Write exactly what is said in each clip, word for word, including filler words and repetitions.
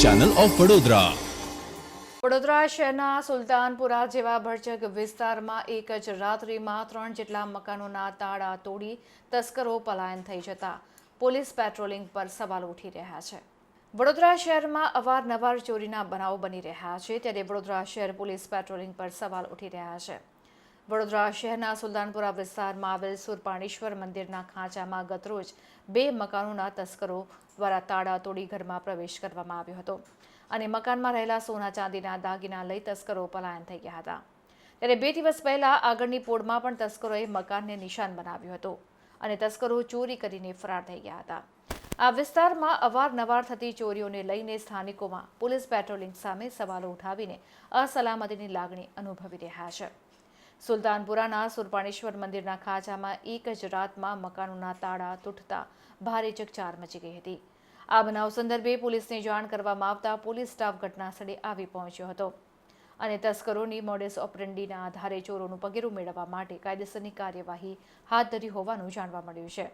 Channel of Vadodara. Vadodara શહેરના સુલતાનપુરા જેવા ભરચક વિસ્તારમાં એક જ રાત્રિમાં ત્રણ જેટલા મકાનોના તાળા તોડી તસ્કરો પલાયન થઈ જતા પોલીસ પેટ્રોલિંગ પર સવાલ ઉઠી રહ્યા છે. વડોદરા શહેરમાં અવારનવાર ચોરીના બનાવો બની રહ્યા છે, ત્યારે વડોદરા શહેર પોલીસ પેટ્રોલિંગ પર સવાલ ઉઠી રહ્યા છે. વડોદરા શહેરના સુલતાનપુરા વિસ્તારમાં આવેલ સુરપાણેશ્વર મંદિરના ખાંચામાં ગતરોજ બે મકાનોના તસ્કરો દ્વારા તાળા તોડી ઘરમાં પ્રવેશ કરવામાં આવ્યો હતો અને મકાનમાં રહેલા સોના ચાંદીના દાગીના લઈ તસ્કરો પલાયન થઈ ગયા હતા. ત્યારે બે દિવસ પહેલા આગળની પોળમાં પણ તસ્કરોએ મકાનને નિશાન બનાવ્યું હતું અને તસ્કરો ચોરી કરીને ફરાર થઈ ગયા હતા. આ વિસ્તારમાં અવારનવાર થતી ચોરીઓને લઈને સ્થાનિકોમાં પોલીસ પેટ્રોલિંગ સામે સવાલો ઉઠાવીને અસલામતીની લાગણી અનુભવી રહ્યા છે. સુલતાનપુરાના સુરપાણેશ્વર મંદિરના ખાંચામાં એક જ રાતમાં મકાનોના તાળા તૂટતા ભારે ચકચાર મચી ગઈ હતી. આ બનાવ સંદર્ભે પોલીસને જાણ કરવામાં આવતા પોલીસ સ્ટાફ ઘટના સ્થળે આવી પહોંચ્યો હતો અને તસ્કરોની મોડેસ ઓપરેન્ડીના આધારે ચોરોનું પગેરું મેળવવા માટે કાયદેસરની કાર્યવાહી હાથ ધરી હોવાનું જાણવા મળ્યું છે.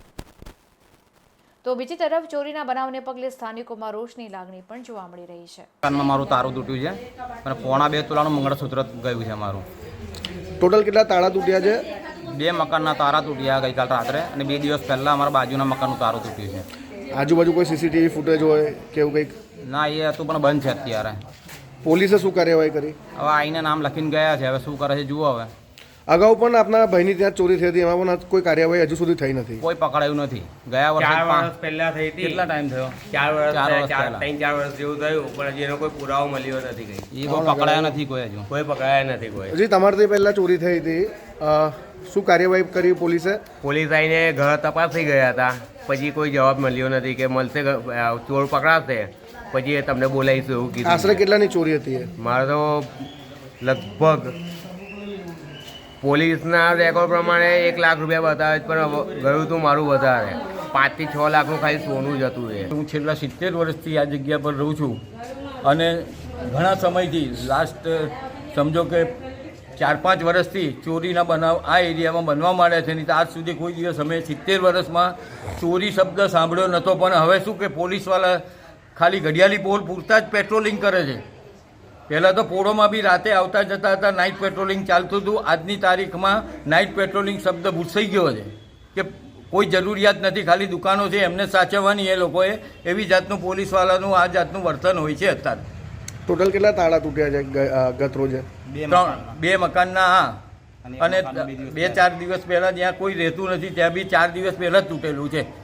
તો બીજી તરફ ચોરીના બનાવને પગલે સ્થાનિકોમાં રોષની લાગણી પણ જોવા મળી રહી છે. મારું તારું તૂટ્યું છે અને પોણા બે તોલાનું મંગળસૂત્ર ગયું છે મારું. ટોટલ કેટલા તાળા તૂટ્યા છે? બે મકાનના તારા તૂટ્યા ગઈકાલ રાત્રે અને બે દિવસ પહેલાં અમારા બાજુના મકાનનું તારું તૂટ્યું છે. આજુબાજુ કોઈ સીસીટીવી ફૂટેજ હોય કે એવું કંઈક? ના, એ હતું પણ બંધ છે અત્યારે. પોલીસે શું કાર્યવાહી કરી? હવે આઈને નામ લખીને ગયા છે, હવે શું કરે છે જુઓ. હવે અગાઉ પણ આપના ભાઈની ત્યાં ચોરી થઈ હતી, એમાં પણ કોઈ કાર્યવાહી હજુ સુધી થઈ નથી? કોઈ પકડાયું નથી. ગયા વર્ષે ચાર વર્ષ પહેલા થઈ હતી. કેટલા ટાઈમ થયો? ચાર વર્ષ ચાર વર્ષ ચાર પહેલા. ત્રણ ચાર વર્ષ જેવું થયું, પણ હજી એનો કોઈ પુરાવો મળ્યો નથી. કઈ એ કોઈ પકડાયા નથી કોઈ હજુ. કોઈ પકડાયા નથી. કોઈ હજી તમારાથી પહેલાં ચોરી થઈ હતી, અ, શું કાર્યવાહી કરી પોલીસે? પોલીસ આવીને ઘર તપાસી ગયા હતા, પછી કોઈ જવાબ મળ્યો નથી કે મળશે, ચોર પકડાશે પછી એ તમને બોલાવીશું એવું કીધું. આશરે કેટલાની ચોરી હતી એ? મારે તો લગભગ પોલીસના રેકોર્ડ પ્રમાણે એક લાખ રૂપિયા બતાવે છે, પણ ગયું હતું મારું વધારે, પાંચથી છ લાખનું ખાલી સોનું જ હતું. એ હું છેલ્લા સિત્તેર વર્ષથી આ જગ્યા પર રહું છું અને ઘણા સમયથી લાસ્ટ સમજો કે ચાર પાંચ વર્ષથી ચોરીના બનાવ આ એરિયામાં બનવા માંડ્યા છે. નહીં તો આજ સુધી કોઈ દિવસ અમે સિત્તેર વર્ષમાં ચોરી શબ્દ સાંભળ્યો નહોતો. પણ હવે શું કે પોલીસવાળા ખાલી ઘડિયાળી પોલ પૂરતા જ પેટ્રોલિંગ કરે છે. પહેલાં તો પોળોમાં બી રાતે આવતા જતા હતા, નાઇટ પેટ્રોલિંગ ચાલતું હતું. આજની તારીખમાં નાઇટ પેટ્રોલિંગ શબ્દ ભૂસાઈ ગયો છે કે કોઈ જરૂરિયાત નથી, ખાલી દુકાનો છે એમને સાચવવાની એ લોકોએ. એવી જાતનું પોલીસવાળાનું આ જાતનું વર્તન હોય છે અત્યારે. ટોટલ કેટલા તાળા તૂટ્યા છે ગત રોજે? ત્રણ બે મકાનના. હા, અને બે ચાર દિવસ પહેલાં જ્યાં કોઈ રહેતું નથી ત્યાં બી ચાર દિવસ પહેલાં જ તૂટેલું છે.